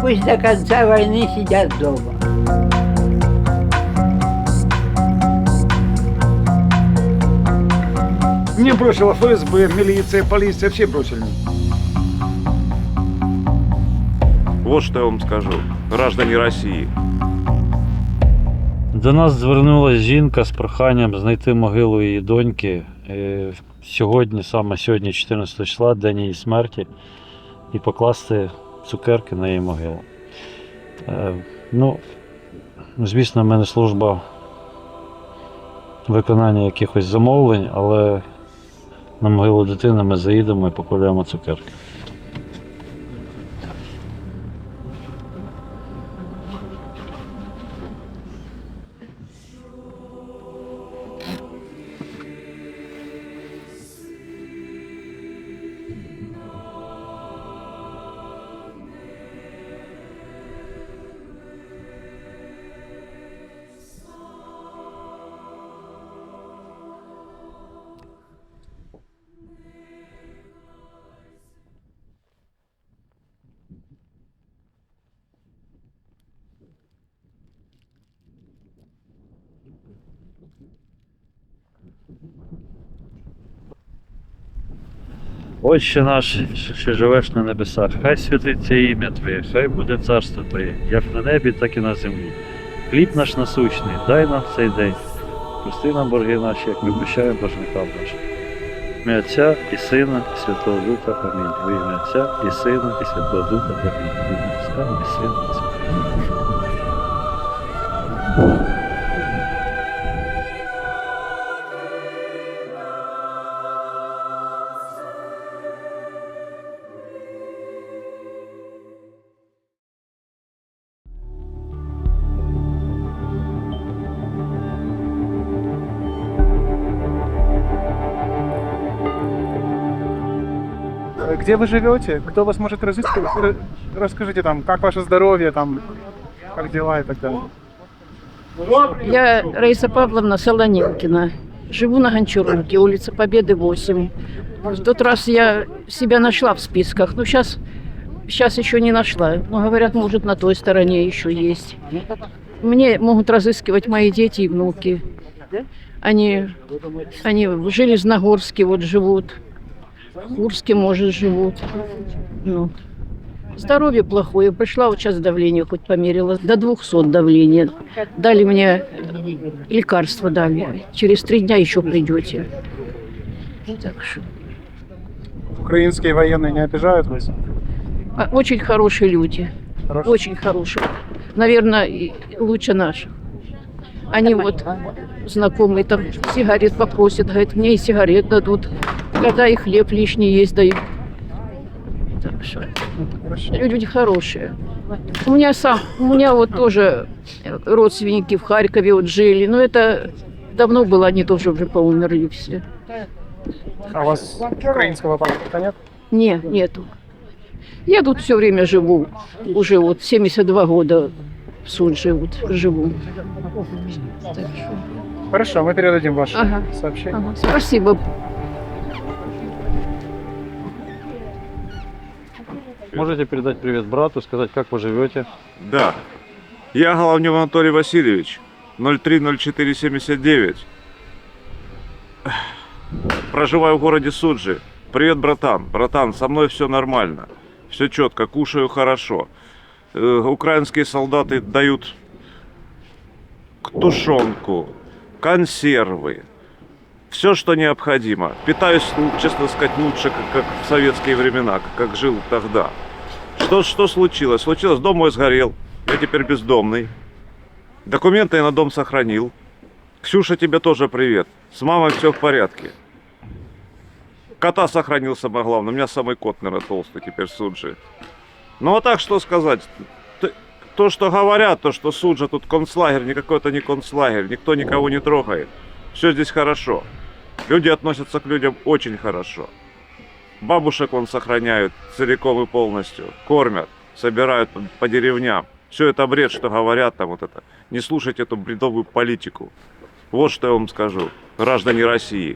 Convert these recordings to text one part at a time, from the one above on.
пусть до конца войны сидят дома. Мне бросила ФСБ, милиция, полиция, все бросили. Вот что я вам скажу, граждане Росії. До нас звернулася жінка з проханням знайти могилу її доньки. Сьогодні, саме сьогодні, 14 числа, день її смерті, і покласти цукерки на її могилу. Ну, звісно, в мене служба виконання якихось замовлень, але на могилу дитини ми заїдемо і покладемо цукерки. Отче наш, що живеш на небесах, хай святиться ім'я Твоє, хай буде царство Твоє, як на небі, так і на землі. Хліб наш насущний, дай нам цей день. Прости нам борги наші, як ми прощаємо боржникам нашим. В ім'я Отця і Сина, і Святого Духа. Амінь. В ім'я Отця і Сина, і Святого Духа. Амінь. В ім'я Отця і Сина, і Святого Духа. Где вы живете? Кто вас может разыскивать? Расскажите там, как ваше здоровье, там, как дела и так далее. Я Раиса Павловна Солоненкина. Живу на Гончарунке, улица Победы, 8. В тот раз я себя нашла в списках, но сейчас еще не нашла. Но говорят, может, на той стороне еще есть. Мне могут разыскивать мои дети и внуки. Они в Железногорске вот живут, в Курске, может, живут. Ну. Здоровье плохое. Пришла вот сейчас давление хоть померила. До 200 давления. Дали мне лекарства, дали. Через 3 дня еще придете. Так что. Украинские военные не обижают вас? Очень хорошие люди. Хорошие? Очень хорошие. Наверное, и лучше наших. Они вот знакомые там сигарет попросят, говорят, мне и сигарет дадут. Когда и хлеб лишний есть дают. Так что люди хорошие. У меня вот тоже родственники в Харькове вот жили, но это давно было, они тоже уже поумерли все. А у вас украинского паспорта нет? Нету. Я тут все время живу, уже вот 72 года в Сунже вот живу. Так что. Хорошо, мы передадим ваше Ага. сообщение. Ага, спасибо. Можете передать привет брату, сказать, как вы живете? Да. Я Головнев Анатолий Васильевич, 030479. Проживаю в городе Суджи. Привет, братан. Братан, со мной все нормально. Все четко, кушаю хорошо. Украинские солдаты дают тушенку, консервы. Все, что необходимо. Питаюсь, честно сказать, лучше, как в советские времена, как жил тогда. Что случилось? Случилось, дом мой сгорел. Я теперь бездомный. Документы я на дом сохранил. Ксюша, тебе тоже привет. С мамой все в порядке. Кота сохранил, самое главное. У меня самый кот, наверное, толстый теперь в Суджи. Ну а так что сказать? То, что говорят, то, что Суджа тут концлагерь, никакой это не концлагерь. Никто никого не трогает. Все здесь хорошо. Люди относятся к людям очень хорошо. Бабушек вон сохраняют целиком и полностью. Кормят, собирают по деревням. Все это бред, что говорят там вот это. Не слушайте эту бредовую политику. Вот что я вам скажу, граждане России.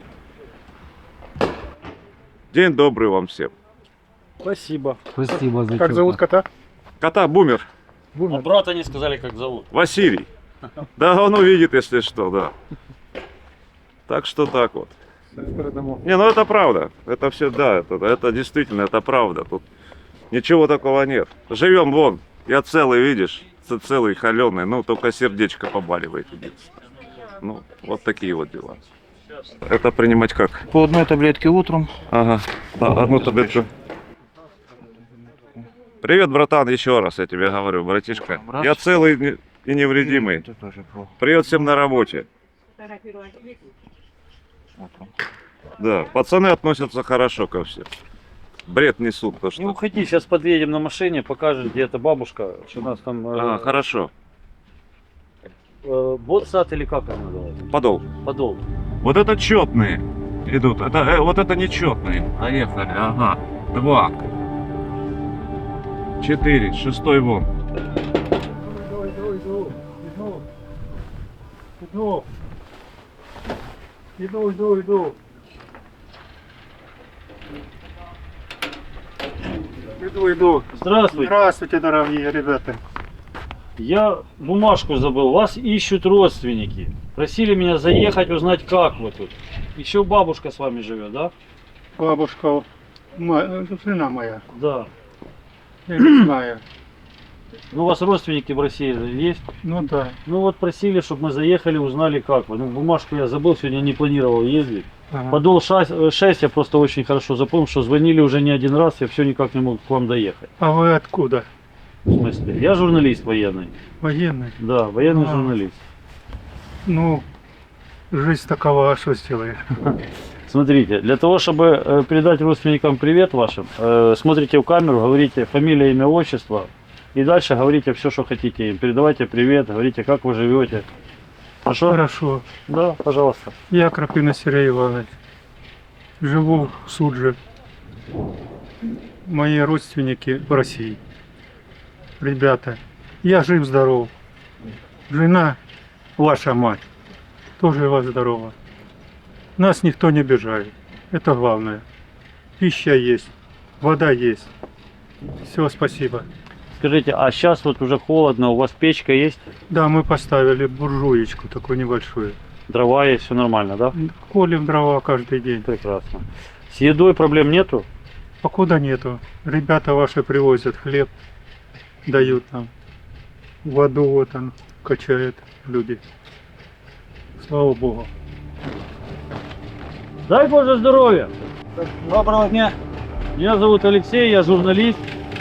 День добрый вам всем. Спасибо. Спасибо за Как зовут кота? Кота Бумер. А брата не сказали, как зовут. Василий. Да, он увидит, если что, да. Так что так вот. Не, ну это правда. Это все, да, это действительно, это правда. Тут ничего такого нет. Живем вон. Я целый, видишь, целый, холеный. Ну, только сердечко побаливает. Единственное. Ну, вот такие вот дела. Это принимать как? По одной таблетке утром. Ага, да, одну таблетку. Привет, братан, еще раз я тебе говорю, братишка. Я целый и невредимый. Привет всем на работе. Да, пацаны относятся хорошо ко всем. Бред несут, то Не что. уходи, сейчас подъедем на машине, покажешь, где эта бабушка, что у нас там... Ага, хорошо. Ботсад или как она называется? Подол. Подол. Вот это четные идут. Это, вот это нечетные. Поехали. Ага. 2. 4. 6 вон. Иду. Здравствуйте. Здравствуйте, дорогие ребята. Я бумажку забыл. Вас ищут родственники. Просили меня заехать, узнать, как вы тут. Еще бабушка с вами живет, да? Бабушка, жена моя, Да. я не знаю. Ну, у вас родственники в России есть? Ну да. Ну вот просили, чтобы мы заехали, узнали, как вы. Ну, бумажку я забыл, сегодня не планировал ездить. Ага. Подол 6 я просто очень хорошо запомнил, что звонили уже не один раз, я все никак не мог к вам доехать. А вы откуда? В смысле? Я журналист военный. Военный? Да, военный А. журналист. Ну, жизнь такова, а что сделаешь? Смотрите, для того, чтобы передать родственникам привет вашим, смотрите в камеру, говорите фамилия, имя, отчество. И дальше говорите все, что хотите им. Передавайте привет, говорите, как вы живете. Хорошо? Хорошо. Да, пожалуйста. Я Крапина Сергей Иванович. Живу в Судже. Мои родственники в России. Ребята, я жив-здоров. Жена, ваша мать, тоже жива-здорова. Нас никто не обижает. Это главное. Пища есть, вода есть. Все, спасибо. Скажите, а сейчас вот уже холодно, у вас печка есть, Да, мы поставили буржуечку такую небольшую. дрова есть, все нормально, да? Колем дрова каждый день. Прекрасно. С едой проблем нету? Покуда нету. Ребята ваши привозят хлеб, дают нам. Воду вот он качает люди. Слава Богу. Дай Боже здоровья! Доброго дня. Меня зовут Алексей, я журналист.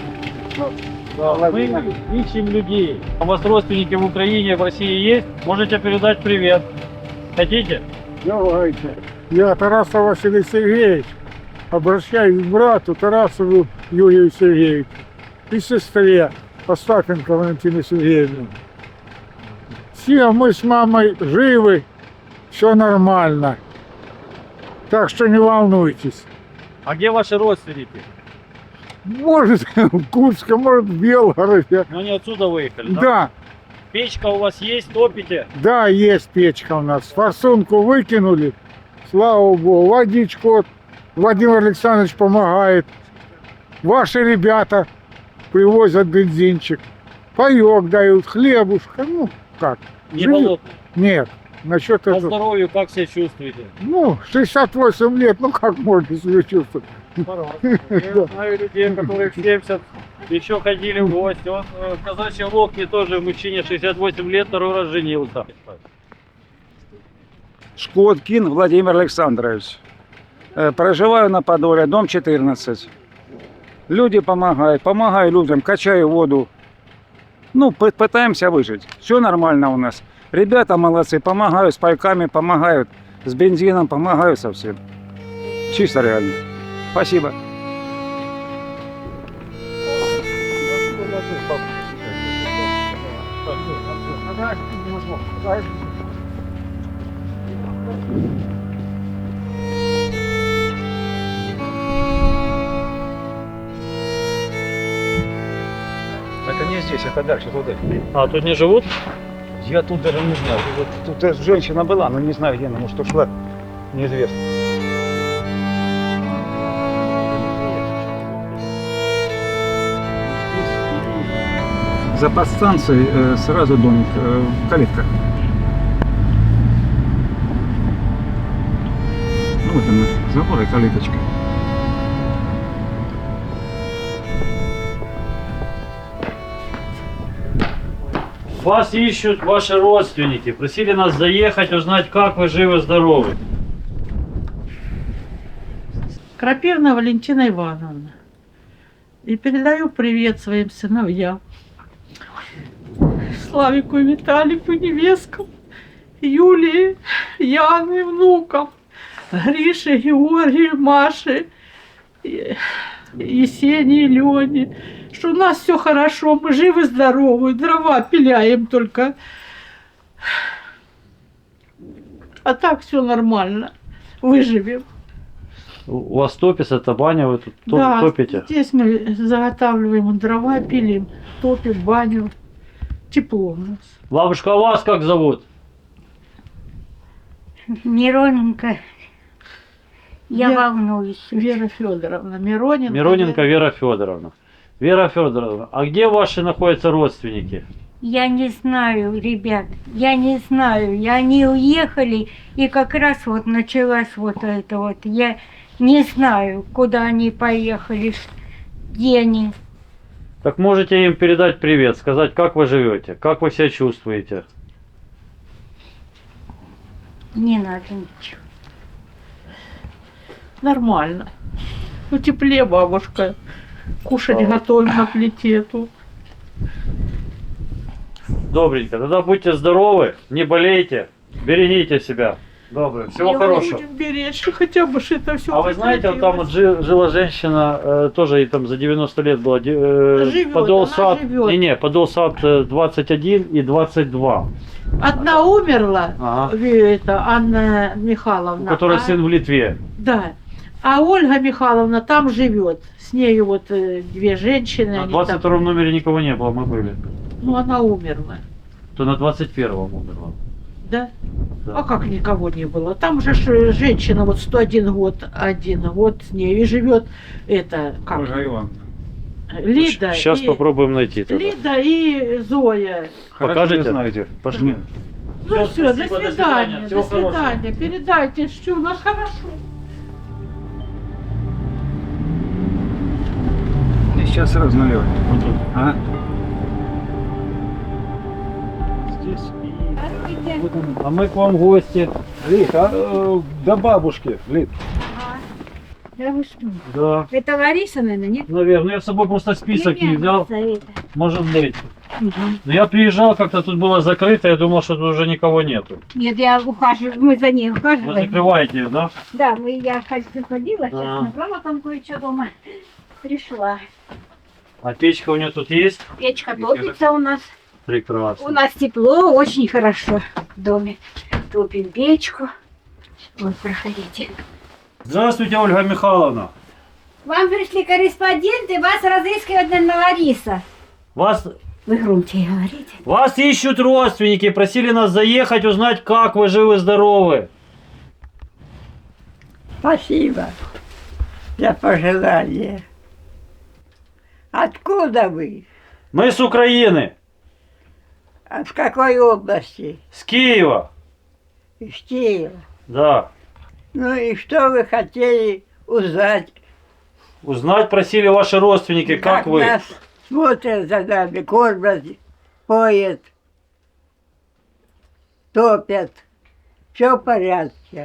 Мы ищем людей. У вас родственники в Украине, в России есть? Можете передать привет. Хотите? Давайте. Я Тарасов Василий Сергеевич. Обращаюсь к брату Тарасову Юрию Сергеевичу и сестре Остапенко Валентине Сергеевне. Все мы с мамой живы, все нормально. Так что не волнуйтесь. А где ваши родственники? Может в Курске, может в Белгороде. Ну, они отсюда выехали, да? Да, Печка у вас есть, топите? да, есть печка у нас. Форсунку выкинули, слава богу. Водичку вот Владимир Александрович помогает. Ваши ребята привозят бензинчик. Паёк дают, хлебушка, ну как. Не Живем. болотно. Нет, насчет По этого. здоровью как себя чувствуете? Ну, 68 лет, ну как можно себя чувствовать? Я знаю людей, которые в 70 еще ходили в гости. Он в казачьей лодке тоже мужчине 68 лет, второй раз женился. Шкоткин Владимир Александрович. Проживаю на Подоле, дом 14. Люди помогают, помогаю людям, качаю воду. Ну, пытаемся выжить. Все нормально у нас. Ребята молодцы, помогают с пайками, помогают с бензином, помогают со всем. Чисто реально. Спасибо. Это не здесь, это дальше, туда. А, тут не живут? Я тут даже не знаю. Вот тут женщина была, но не знаю где она, может ушла. Неизвестно. за подстанцией сразу домик, калитка. Ну вот она, забор и калиточка. Вас ищут ваши родственники. Просили нас заехать, узнать, как вы живы-здоровы. Крапивна Валентина Ивановна. И передаю привет своим сыновьям. Славику и Виталику, невесткам, Юлии, Яны, внукам, Грише, Георгию, Маше, Есении, Лене. Что у нас все хорошо, мы живы-здоровы, дрова пиляем только. А так все нормально, выживем. У вас топится, это баня, вы тут Да, топите? здесь мы заготавливаем дрова, пилим, топим баню. Тепло у нас. Бабушка, а вас как зовут? Мироненко, я Вера- волнуюсь. Вера Федоровна Мироненко. Мироненко Вера Федоровна. Вера Федоровна, а где ваши находятся родственники? Я не знаю, ребят, я не знаю. И они уехали, и как раз вот началась вот это вот. Я не знаю, куда они поехали, где они. Так можете им передать привет, сказать, как вы живете, как вы себя чувствуете. Не надо ничего. Нормально. Ну, теплее, бабушка. Кушать готовим на плите тут. Добренько, тогда будьте здоровы, не болейте, берегите себя. Доброе, всего хорошего. Будем беречь, хотя бы что это все. А вы знаете, вот там вот жила женщина, тоже ей там за 90 лет было, Живет, подол она сад, живет. не, подол сад 21 и 22, Одна умерла, Ага. это Анна Михайловна. у которой а- сын в Литве. Да. А Ольга Михайловна там живет. С нею вот две женщины. На они 22 номере никого не было, мы были. Ну, она умерла. То на 21-м умерла. Да? Да. А как никого не было? Там же женщина вот 101 год, 1 год с ней и живет это как? Ольга Ивановна. Лида. Сейчас и, попробуем найти тогда. Лида и Зоя. Покажете? Хорошо, знаете. Пошли. Ну Всё, все, до спасибо, до свидания. свидания. До Всего хорошего. свидания. Передайте, что у нас хорошо. И сейчас сразу наливай. Вот тут. Ага. Здесь. А мы к вам гости. Лид, до бабушки, Лид. Да вы что? Да. Это Лариса, наверное, нет? Наверное, я с собой просто список не взял. Племянница это. Может быть. Но я приезжал, как-то тут было закрыто, я думал, что тут уже никого нету. Нет, я ухаживаю, мы за ней Вы ухаживаем. закрываете ее, да? Да, я ходила, сейчас А. набрала там кое-что дома. Пришла. А печка у нее тут есть? Печка топится у нас. Прекрасно. У нас тепло, очень хорошо в доме. Топим печку. Вот, проходите. Здравствуйте, Ольга Михайловна. Вам пришли корреспонденты, вас разыскивает, наверное, Лариса. Вы громче говорите. Вас ищут родственники, просили нас заехать, узнать, как вы живы-здоровы. Спасибо за пожелание. Откуда вы? Мы с Украины, А в какой области? с Киева. Из Киева. Да. Ну и что вы хотели узнать? Узнать просили ваши родственники, как вы. нас смотрят за нами, кормят, поят, топят. Все в порядке.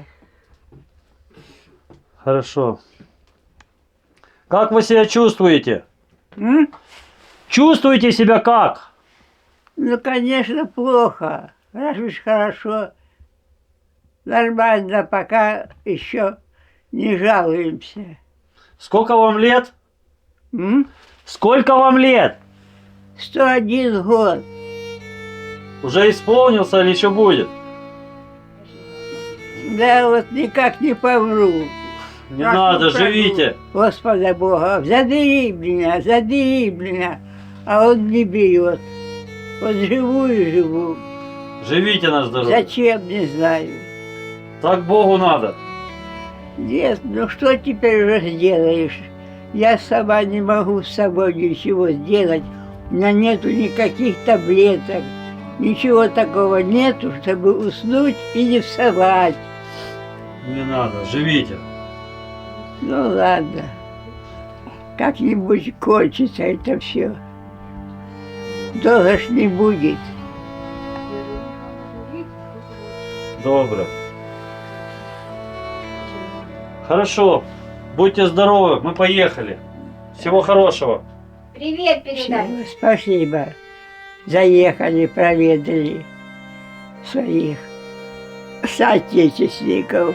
Хорошо. Как вы себя чувствуете? М? Чувствуете себя как? Ну, конечно, плохо. Разве ж хорошо. Нормально, пока еще не жалуемся. Сколько вам лет? М? Сколько вам лет? 101 год. Уже исполнился или еще будет? Да вот никак не помру. Не Как надо, не помру. живите. Господа Бога, задери меня, а он не берет. Вот живу и живу. Живите на здоровье. Зачем, не знаю. Так Богу надо. Нет, ну что теперь уже сделаешь? Я сама не могу с собой ничего сделать. У меня нету никаких таблеток. Ничего такого нету, чтобы уснуть и не вставать. Не надо, живите. Ну ладно. Как-нибудь кончится это все. Долго ж не будет. Добро. Хорошо. Будьте здоровы, мы поехали. Всего хорошего. Привет передай. Спасибо. Заехали, проведали своих соотечественников.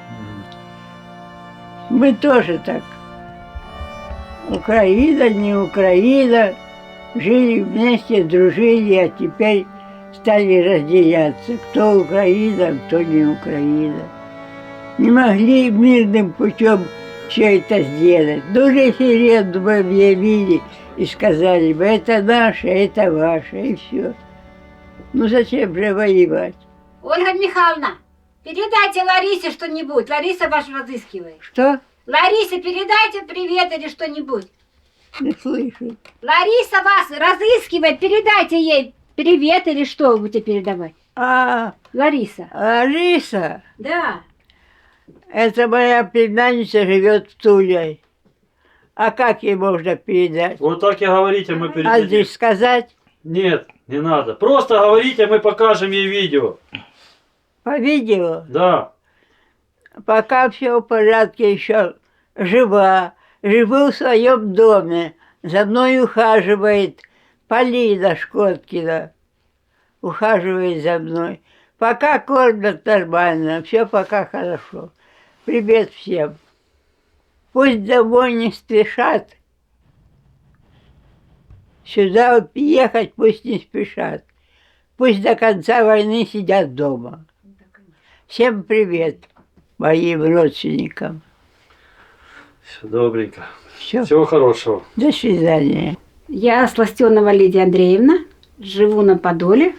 Мы тоже так. Украина, не Украина. Жили вместе, дружили, а теперь стали разделяться. Кто Украина, кто не Украина. Не могли мирным путем все это сделать. Ну, референдум объявили и сказали бы, это наше, это ваше, и все. Ну, зачем же воевать? Ольга Михайловна, передайте Ларисе что-нибудь. Лариса вас разыскивает. Что? Ларисе передайте привет или что-нибудь. Не слышу. Лариса вас разыскивает, передайте ей привет или что вы будете передавать. Лариса. Лариса? Да. Это моя племянница живет в Туле. А как ей можно передать? Вот так и говорите, мы передадим. Адрес сказать? Нет, не надо. Просто говорите, мы покажем ей видео. По видео? Да. Пока все в порядке, еще жива. Живу в своем доме. За мной ухаживает Полина Шкоткина. Ухаживает за мной. Пока кормят нормально, все пока хорошо. Привет всем. Пусть домой не спешат. Сюда ехать пусть не спешат. Пусть до конца войны сидят дома. Всем привет моим родственникам. Все добренько. Всё. Всего хорошего. До свидания. Я Сластенова Лидия Андреевна, живу на Подоле.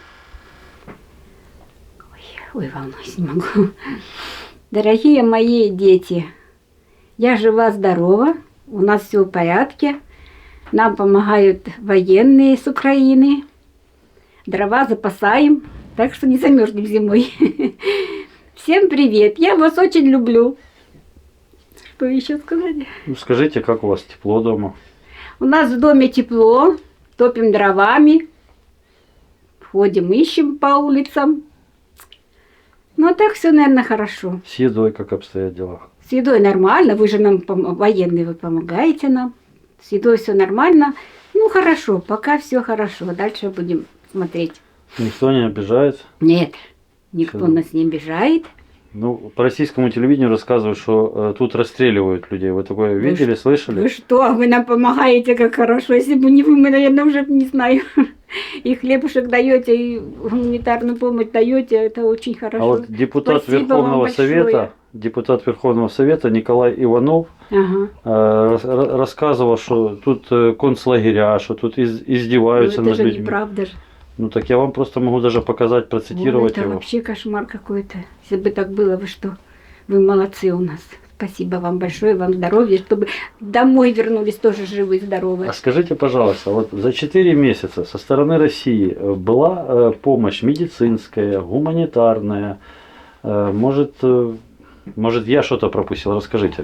Ой, волнуюсь, не могу. Дорогие мои дети, я жива-здорова, у нас все в порядке. Нам помогают военные с Украины. Дрова запасаем, так что не замерзнем зимой. Всем привет, я вас очень люблю. Что еще сказать? Ну, скажите, как у вас тепло дома? У нас в доме тепло, топим дровами, ходим, ищем по улицам. Ну, а так все, наверное, хорошо. С едой как обстоят дела? С едой нормально, вы же нам военные, вы помогаете нам. С едой все нормально. Ну, хорошо, пока все хорошо. Дальше будем смотреть. Никто не обижает? Нет, никто Всё. нас не обижает. Ну, по российскому телевидению рассказывают, что тут расстреливают людей. Вы такое видели, слышали? Вы что, вы нам помогаете, как хорошо. Если бы не вы, мы, наверное, уже не знаю. И хлебушек даете, и гуманитарную помощь даете, это очень хорошо. А вот депутат Спасибо Верховного вам большое. Совета, депутат Верховного Совета Николай Иванов рассказывал, что тут концлагеря, что тут издеваются Ну, это над же людьми. неправда же. Ну так я вам просто могу даже показать, процитировать Это его. вообще кошмар какой-то. Если бы так было, вы что? Вы молодцы у нас. Спасибо вам большое, вам здоровья, чтобы домой вернулись тоже живы и здоровы. А скажите, пожалуйста, вот за 4 месяца со стороны России была помощь медицинская, гуманитарная? Может, я что-то пропустил? Расскажите.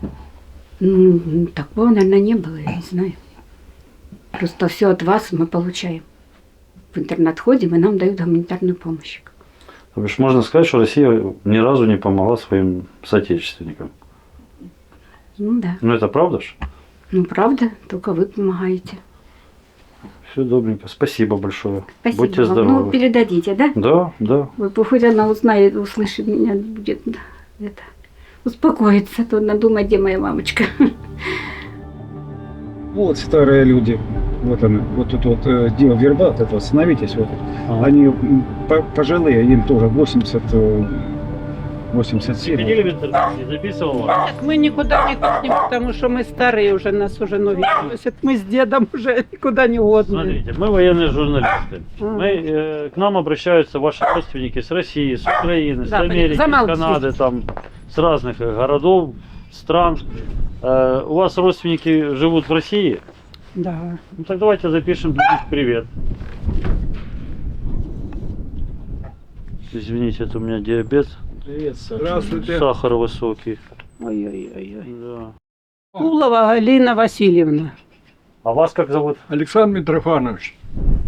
Ну, такого, наверное, не было, я не знаю. Просто все от вас мы получаем. В интернет ходим, и нам дают гуманитарную помощь. То бишь можно сказать, что Россия ни разу не помогла своим соотечественникам. Ну да. Ну это правда ж? Ну правда, только вы помогаете. Все добренько. Спасибо большое. Спасибо Будьте вам. здоровы. Ну, передадите, да? Да, да. Вы, хоть она узнает, услышит меня, будет это, успокоиться. То она думает, где моя мамочка. Вот старые люди. Вот она, вот тут вот дело верба, вот это, остановитесь. Вот. Они пожилые, им тоже 80, 87. Видели в интернете? Не записывал вас? Мы никуда не ходим, потому что мы старые уже, нас уже ноги носят. Мы с дедом уже никуда не годные. Смотрите, мы военные журналисты. К нам обращаются ваши родственники с России, с Украины, с Америки, с Канады, там, с разных городов, стран. У вас родственники живут в России? Да. Ну так давайте запишем для них привет. Извините, это у меня диабет. Привет, Здравствуйте. Сахар высокий. Ой-ой-ой. Да. Кулова Галина Васильевна. А вас как зовут? Александр Митрофанович.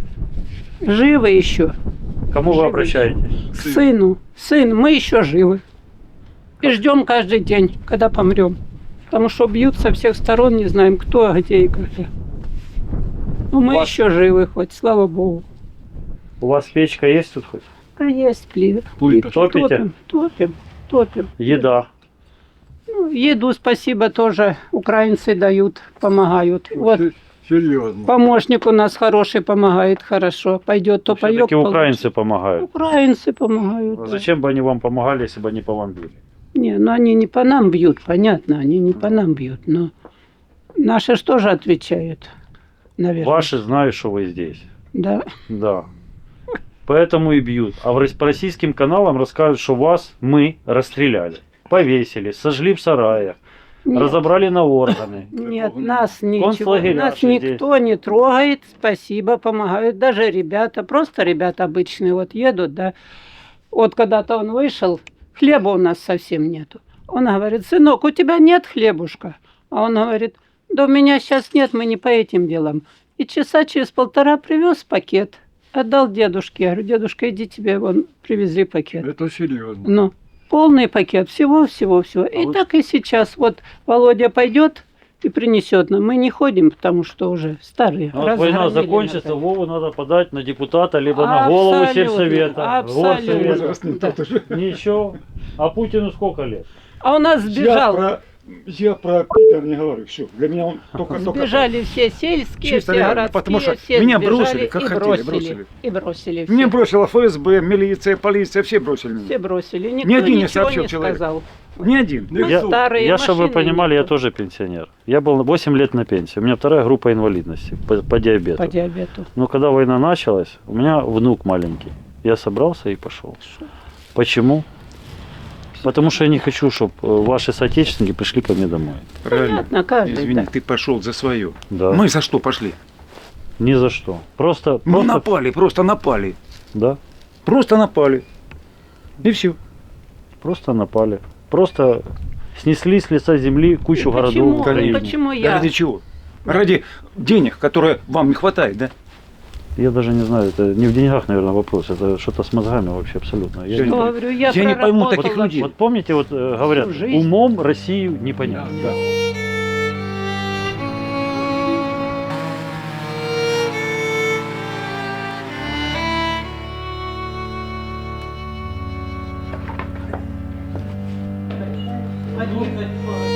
Живы еще. К кому вы обращаетесь? К сыну. Сын, мы еще живы. И ждем каждый день, когда помрем. Потому что бьют со всех сторон, не знаем, кто, где и когда. Но мы вас- еще живы хоть, слава богу. У вас печка есть тут хоть? А есть плиты. Плита. Топите? Топим. Еда. Ну, еду, спасибо, тоже украинцы дают, помогают. Вот Серьезно. помощник у нас хороший, помогает хорошо. Пойдет, то поет. Все-таки украинцы помогают. Украинцы помогают. А да. зачем бы они вам помогали, если бы они по вам били? Не, ну они не по нам бьют, понятно, они не по нам бьют, но наши ж тоже отвечают, наверное. Ваши знают, что вы здесь. Да. Да. Поэтому и бьют. А по российским каналам расскажут, что вас мы расстреляли, повесили, сожгли в сараях, Нет. разобрали на органы. Нет, нас ничего, Концлагеря нас же никто не трогает, спасибо, помогают. Даже ребята, просто ребята обычные вот едут, да. Вот когда-то он вышел, хлеба у нас совсем нету. Он говорит: сынок, у тебя нет хлебушка? А он говорит: да у меня сейчас нет, мы не по этим делам. И часа через полтора привез пакет, отдал дедушке. Я говорю: дедушка, иди, тебе вон привезли пакет. Это серьезно. Ну, полный пакет, всего. И так и сейчас. Вот Володя пойдет и принесет нам. Мы не ходим, потому что уже старые. Ну, вот война разгромили закончится, нас. Вову надо подать на депутата, либо на голову Абсолютно, сельсовета, горсовета. абсолютно. Ничего. А Путину сколько лет? А у нас сбежал. Я про Питер не говорю, все. Для меня он только... Сбежали все сельские, Чисто все реально, городские, потому что все меня сбежали бросили, как и хотели, бросили. бросили. И бросили Мне всех. бросила ФСБ, милиция, полиция, все бросили меня. Все бросили. Никто Ни один не ничего сообщил не человек. сказал. Ни один. Мы Я, старые чтобы вы машины понимали, я никто. тоже пенсионер. Я был 8 лет на пенсии. У меня вторая группа инвалидности по диабету. По диабету. Но когда война началась, у меня внук маленький. Я собрался и пошел. Почему? Потому что я не хочу, чтобы ваши соотечественники пришли ко мне домой. Правильно. Понятно, каждый. Извини, да. ты пошел за свое. Да. Мы за что пошли? Ни за что. Просто, Мы напали, просто напали. да, Просто напали. И все. просто напали. Просто снесли с лица земли кучу городов в Почему? Украине. Почему Да я? ради чего? Ради денег, которые вам не хватает, да? Я даже не знаю, это не в деньгах, наверное, вопрос. Это что-то с мозгами вообще абсолютно. Я Что не- Говорю, я не пойму таких проработала людей. Вот помните, вот говорят, Всю жизнь. умом Россию не понять. Да. Один